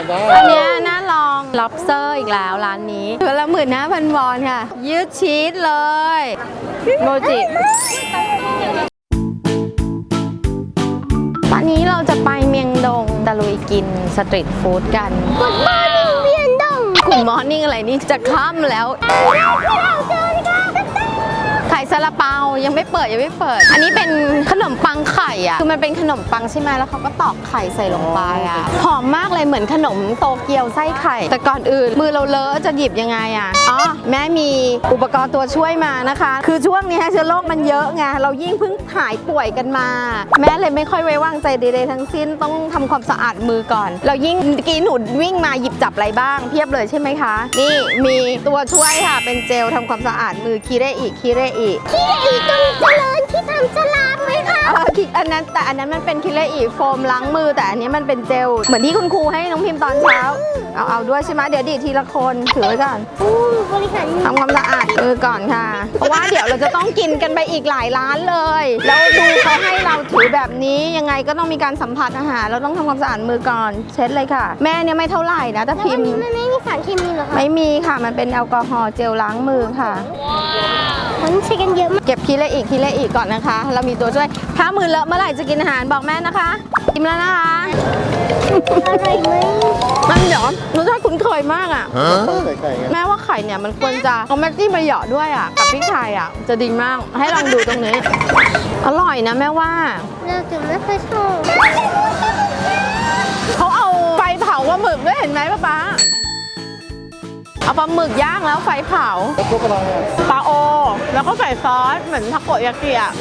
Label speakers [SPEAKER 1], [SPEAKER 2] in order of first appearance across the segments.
[SPEAKER 1] อันนี้น่าลอง lobster อีกแล้วร้านนี้ตัวละ15,000 วอนค่ะยืดชีสเลยโมจิตอนนี้เราจะไปเมียงดงตะลุยกินสตรีทฟู้ดกันกุดมอร์นิ่งเมียงดงกุดมอร์นิ่งอะไรนี่จะค่ำแล้วไข่ซาลาเปายังไม่เปิดอันนี้เป็นขนมปังไข่อ่ะคือมันเป็นขนมปังใช่ไหมแล้วเขาก็ตอกไข่ใส่ลงไปอ่ะหอมมากเลยเหมือนขนมโตเกียวไส้ไข่แต่ก่อนอื่นมือเราเลอะจะหยิบยังไงอ่ะอ๋อแม่มีอุปกรณ์ตัวช่วยมานะคะคือช่วงนี้เชื้อโรคมันเยอะไงเรายิ่งเพิ่งหายป่วยกันมาแม่เลยไม่ค่อยไว้วางใจใดๆทั้งสิ้นต้องทำความสะอาดมือก่อนเรายิ่งเมื่อกี้หนูวิ่งมาหยิบจับอะไรบ้างเพียบเลยใช่ไหมคะนี่มีตัวช่วยค่ะเป็นเจลทำความสะอาดมือคิเรอิตรงเจริญที่ทำสลามไหมคะอันนั้นมันเป็นคิเรอิโฟมล้างมือแต่อันนี้มันเป็นเจลเหมือนที่คุณครูให้น้องพิมพ์ตอนเช้าเอาด้วยใช่ไหมเดี๋ยวดีทีละคนถือไว้ก่อนทำความสะอาดมือก่อนค่ะเพราะว่าเดี๋ยวเราจะต้องกินกันไปอีกหลายร้านเลยแล้วดูเขาให้เราถือแบบนี้ยังไงก็ต้องมีการสัมผัสอาหารเราต้องทำความสะอาดมือก่อนเช็ดเลยค่ะแม่เนี่ยไม่เท่าไหร่นะแต่พิมพ์มันไม่มีสารเคมีหรอคะไม่มีค่ะมันเป็นแอลกอฮอล์เจลล้างมือค่ะมันใช้กันเยอะมากเก็บคิเลอีกก่อนนะคะเรามีตัวช่วยถ้ามือเลอะเมื่อไหร่จะกินอาหารบอกแม่นะคะกินแล้วนะคะอร่อยไหมมันเดี๋ยวรสชาติคุ้นเคยมากอ่ะแม่ว่าไข่เนี่ยมันควรจะเอาแม็กกี้มาเหยาะด้วยอ่ะกับพริกไทยอ่ะจะดีมากให้ลองดูตรงนี้อร่อยนะแม่ว่าเราถึงไม่เคยชอบเขาเอาไฟเผาปลาหมึกด้วยเห็นไหมป๊าเอาปลาหมึกย่างแล้วไฟเผาปลาโอแล้วก็ใส่ซอสเหมือนทาโกยากิอ่ะ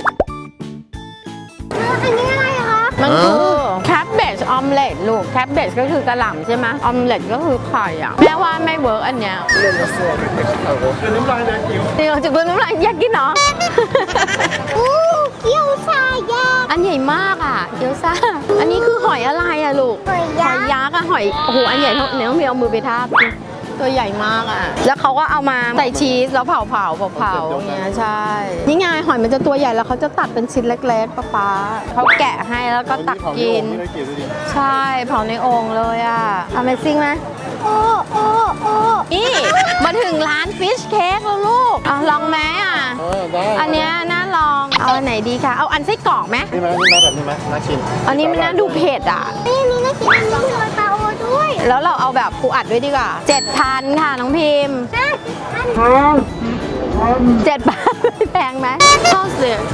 [SPEAKER 1] อันนี้อะไรคะมันคือแคบเบจออมเล็ตลูกแคบเบจก็คือกระหล่ำใช่ไหมออมเล็ตก็คือไข่อ่ะแม่ว่าไม่เวิร์กอันเนี้ยน้ำลายแดงอิ่วเดี๋ยวจะเป็นน้ำลายอยากกินเนาะเกี๊ยวซ่าย่างอันใหญ่มากอ่ะเกี๊ยวซ่าอันนี้คือหอยอะไรอ่ะลูกหอยยักษ์อ่ะหอยโอ้โหอันใหญ่เท่าเนื้อเมียวมือไปทาบตัวใหญ่มากอ่ะแล้วเขาก็เอามาใส่ชีสแล้วเผาอย่างเงี้ยใช่นี่ไงหอยมันจะตัวใหญ่แล้วเขาจะตัดเป็นชิ้นเล็กๆป๊าเขาแกะให้แล้วก็ตักกินใช่เผาในโอ่งเลยอ่ะ Amazing ไหมโอ้นี่มาถึงร้านฟิชเค้กแล้วลูกลองไหมอ่ะอันเนี้ยน่าลองเอาอันไหนดีคะเอาอันไส้กรอกไหมนี่แบบนี้ไหมน่ากินอันนี้มันน่าดูเผ็ดอ่ะนี่น่ากินอันนี้คือปลาโอด้วยแล้วเราเอาแบบปูอัดด้วยดีกว่า7,000ค่ะน้องพิมพ์7,000แพงไหมชอบเสีย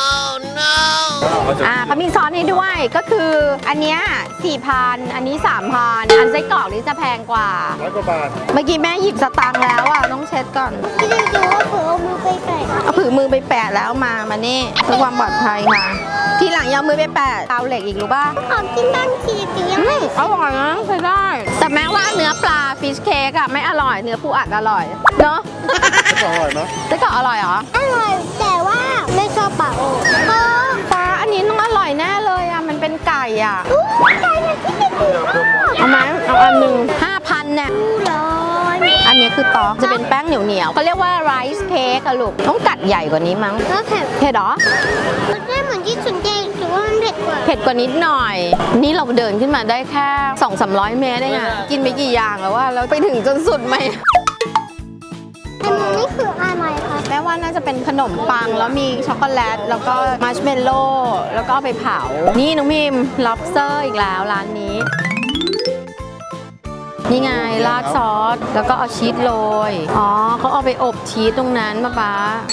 [SPEAKER 1] เขามีซอสให้ด้วยก็คืออันเนี้ย4,000อันนี้3,000อันไส้กรอกนี้จะแพงกว่า100 กว่าบาทเมื่อกี้แม่หยิบสตางค์แล้วอ่ะต้องเช็ดก่อนที่จริงๆว่าผือเอามือไปแปะเอาผือมือไปแปะแล้วมานี่เพื่อความปลอดภัยค่ะทีหลังอย่ามือไปแปะเตาเหล็กอีกรู้ป่ะขอกินบ้างทียังไม่อร่อยนะใช้ได้แต่แม้ว่าเนื้อปลาฟิชเค้กอะไม่อร่อยเนื้อปูอัดอร่อยเนาะไส้กรอกอร่อยไหมไส้กรอกอร่อยเหรออร่อยแต่ว่าไม่ชอบปลาโอปลาอันนี้ต้องอร่อยแน่เลยอะมันเป็นไก่อะไก่มันที่ไม่ดีเอาไหมเอาอันหนึ่ง5,000เนี่ยอันนี้คือตอกจะเป็นแป้งเหนียวเขาเรียกว่าไรซ์เค้กอะลูกต้องกัดใหญ่กว่านี้มั้งเผ็ดเหรอมันไม่เหมือนที่สุนเจงถือว่ามันเผ็ดกว่านิดหน่อยนี่เราเดินขึ้นมาได้แค่ 200-300 เมตรเองอะกินไปกี่อย่างแล้วว่าเราไปถึงจนสุดไหมอันนี้คืออะไรคะแม่ว่าน่าจะเป็นขนมปังแล้วมีช็อกโกแลตแล้วก็มัชเมลโล่แล้วก็ไปเผานี่น้องพิม lobster อีกแล้วร้านนี้นี่ไงราดซอสแล้วก็เอาชีสโรยอ๋อเขาเอาไปอบชีสตรงนั้นป๊า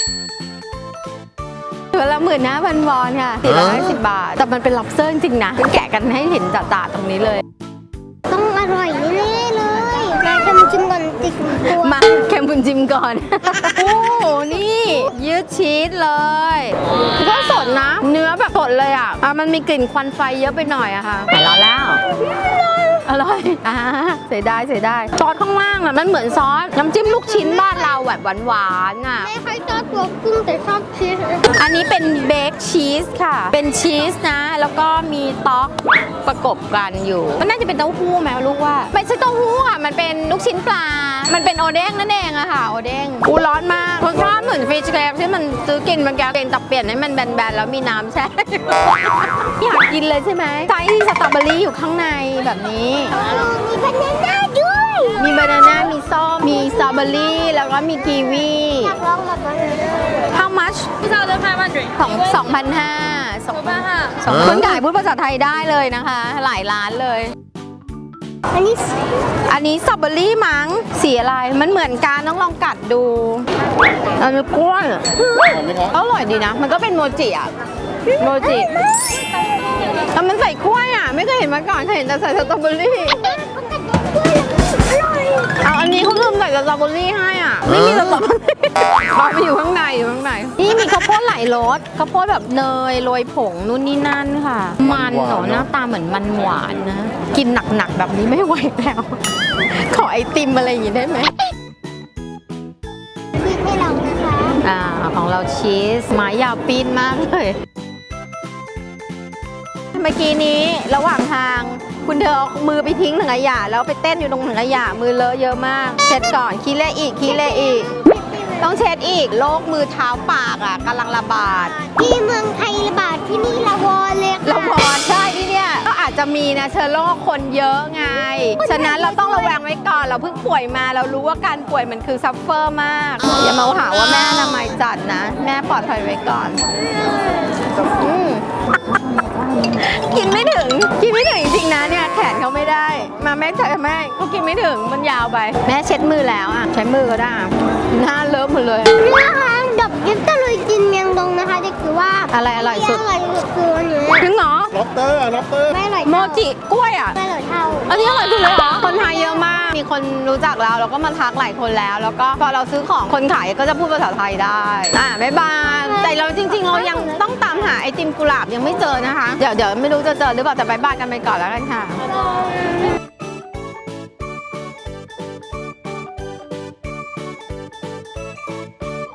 [SPEAKER 1] ตัวละ15,000 วอนค่ะ450 บาทแต่มันเป็น lobster จริงๆนะแกะกันให้เห็นจ่าๆตรงนี้เลยต้องอร่อยแน่ๆเลยมาเค็มจิ้มก่อนติดตัวมาเค็มจิ้มก่อนโอ้นี่ยืดชีสเลยก็สดนะเนื้อแบบสดเลยอ่ะมันมีกลิ่นควันไฟเยอะไปหน่อยอะค่ะแต่เราแล้วอร่อยเสียดายซอสข้างล่างอ่ะมันเหมือนซอสน้ำจิ้มลูกชิ้นบ้านเราแบบหวานๆอ่ะไม่ค่อยชอบตัวกุ้งแต่ชอบชีสอันนี้เป็นเบคชีสค่ะเป็นชีสนะแล้วก็มีต๊อกประกบกันอยู่มันน่าจะเป็นเต้าหู้ไหมลูกว่าไม่ใช่เต้าหู้ค่ะมันเป็นนลูกชิ้นปลา มันเป็นโอเด้งนั่นเองอะค่ะโอเด้งอูร้อนมากรสชาติเหมือนฟิชแครที่มันซื้อกินมันแกงแต่เปลี่ยนให้มันแบนๆแล้วมีน้ำแช่ อยากกินเลยใช่ไหมไส้สตรอเบอรี่อยู่ข้างในแบบนี้
[SPEAKER 2] มีบานาน่าด้วย
[SPEAKER 1] มีบานาน่ามีส้มมีสตรอเบอรี่แล้วก็มีกีวี
[SPEAKER 2] อยากลองแบบบานาน่า
[SPEAKER 1] How much ของ2,500
[SPEAKER 3] 2,500
[SPEAKER 1] คนขายพูดภาษาไทยได้เลยนะคะ หลายร้านเลย
[SPEAKER 2] อันนี้
[SPEAKER 1] อันนี้สตรอเบอรี่มั้งสีอะไรมันเหมือนกันต้องลองกัดดูอันนี้กล้วยอร่อยดีนะ มันก็เป็นโมจิอะโมจิแล้วมันใส่กล้วยอะไม่เคยเห็นมาก่อนเคยเห็นแต่ใส่สตรอเบอรี่เอาอันนี้เขาลืมใส่สตรอเบอรี่ให้อ่ะไม่มีสตรอเบอรี่เอาไปอยู่ข้างในนี่มีข้าวโพดหลายรสข้าวโพดแบบเนยโรยผงนู่นนี่นั่นค่ะ มันเหรอหน้าตาเหมือนมันหวานนะกินหนักๆแบบนี้ไม่ไหวแล้ว ขอไอติมอะไรอย่างงี้ได้ไหม
[SPEAKER 2] พี่ให้ลองนะคะ
[SPEAKER 1] ของเราชีสไม้ยาวปีนมากเลยเมื่อกี้นี้ระหว่างทางคุณเธอเอามือไปทิ้งถังขยะแล้วไปเต้นอยู่ตรงถังขยะมือเลอะเยอะมากเช็ดก่อนขี้เละอีกต้องเช็ดอีกโรคมือเท้าปากอ่ะกำลังระบาด
[SPEAKER 2] ที่เมืองไทยระบาดที่นี่ละวอนเลยค่ะ
[SPEAKER 1] เราพอใช่ที่เนี่ยก็อาจจะมีนะเชื้อโรคคนเยอะไง ฉะนั้นเราต้องระแวงไว้ก่อนเราเพิ่งป่วยมาเรารู้ว่าการป่วยมันคือซัฟเฟอร์มากอย่ามาหาว่าแม่อนามัยจัดนะ แม่ปลอดภัยไว้ก่อนกินไม่ถึงจริงๆนะเนี่ยแขนเขาไม่ได้มาแม่ใช่แม่เขากินไม่ถึงมันยาวไปแม่เช็ดมือแล้วอ่ะใช้มือก็ได้หน้าเลอะหมดเลย
[SPEAKER 2] นี่นะคะดับยิบตะลุยกินเมียงดงนะคะเด็กคือว่า
[SPEAKER 1] อะไรอร่อยสุด
[SPEAKER 2] อร่อยสุดคืออันนี้
[SPEAKER 1] ถึงเหรอ
[SPEAKER 3] ล็อบเตอร์ล็อบเตอร์
[SPEAKER 2] ไม่อร่อย
[SPEAKER 1] โม
[SPEAKER 2] เท่า
[SPEAKER 1] จิกล้วยอ่ะ
[SPEAKER 2] ไม่อร่อยเท่า
[SPEAKER 1] อันนี้อร่อยสุดเลยเหรอคนไทยเยอะมาก มีคนรู้จักเราแล้วก็มาทักหลายคนแล้ว แล้วก็พอเราซื้อของคนขายก็จะพูดภาษาไทยได้บ๊ายบายแต่เราจริงๆ เรายังต้องตามหาไอติมกุหลาบยังไม่เจอนะคะ เดี๋ยวไม่รู้จะเจอหรือเปล่าแต่บ๊ายบายกันไปก่อนแล้วกันค่ะ